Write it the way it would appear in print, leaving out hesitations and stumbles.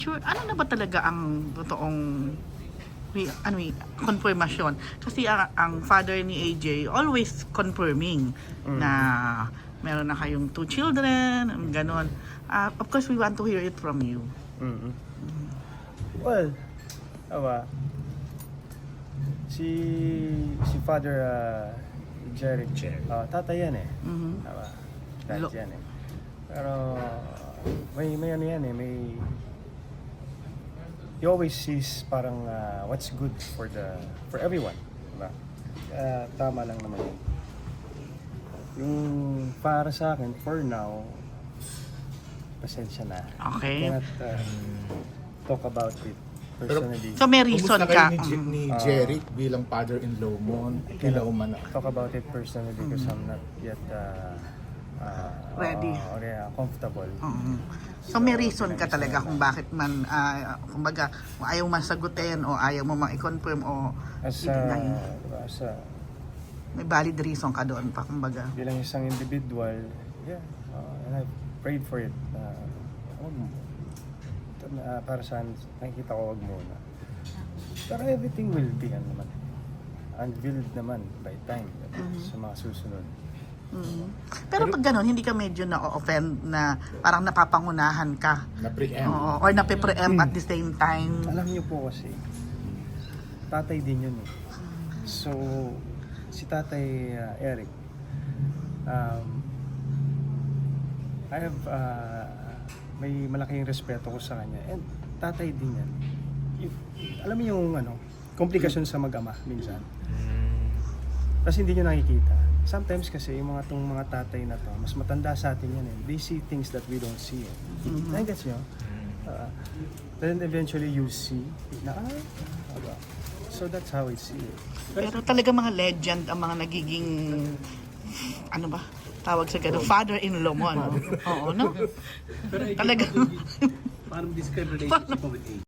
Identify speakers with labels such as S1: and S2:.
S1: Sure, ano na ba talaga ang totoong confirmation? Kasi ang father ni AJ always confirming na meron na kayong 2 children, ganon. Of course, we want to hear it from you.
S2: Well, awa, si Father Jeric, tatay yan eh. Awa, dad yan eh. Pero may ano yan eh, he always sees parang what's good for everyone, diba? Tama lang naman yun. Yung para sa akin, for now, pasensya na.
S1: Okay.
S2: Cannot talk about it personally.
S1: So may reason
S3: Kumusta
S1: ka.
S3: kayo ni Jeric bilang father-in-law mo? Kailan umana?
S2: Talk about it personally because I'm not yet
S1: Ready.
S2: Comfortable.
S1: So may reason ka talaga kung bakit man, kumbaga, kung ayaw man sagutin o ayaw mo ma-confirm o
S2: As
S1: i-deny.
S2: a
S1: May valid reason ka doon pa, kumbaga.
S2: bilang isang individual, and I prayed for it. Para saan nakikita ko wag muna. Pero everything will be unveiled naman by time sa mga susunod.
S1: Pero pag gano'n, hindi ka medyo na-offend na parang napapangunahan ka
S3: Na-preempt.
S1: or nape-preempt at the same time.
S2: Alam niyo po kasi, tatay din yun eh. So, si Tatay Eric, I have, may malaking respeto ko sa kanya. And tatay din yan. Alam mo yung komplikasyon sa mag-ama minsan. Kasi hindi nyo nakikita. Sometimes kasi yung mga tatay na to, mas matanda sa atin yan eh. They see things that we don't see eh. Nagets nyo? Then eventually you see na, so that's how I see it.
S1: Pero talaga mga legend ang mga nagiging, ano ba, tawag sa gano'n, father-in-law mo, ano? Oo, no? Talaga.
S4: Paano describe relationship mo with AJ?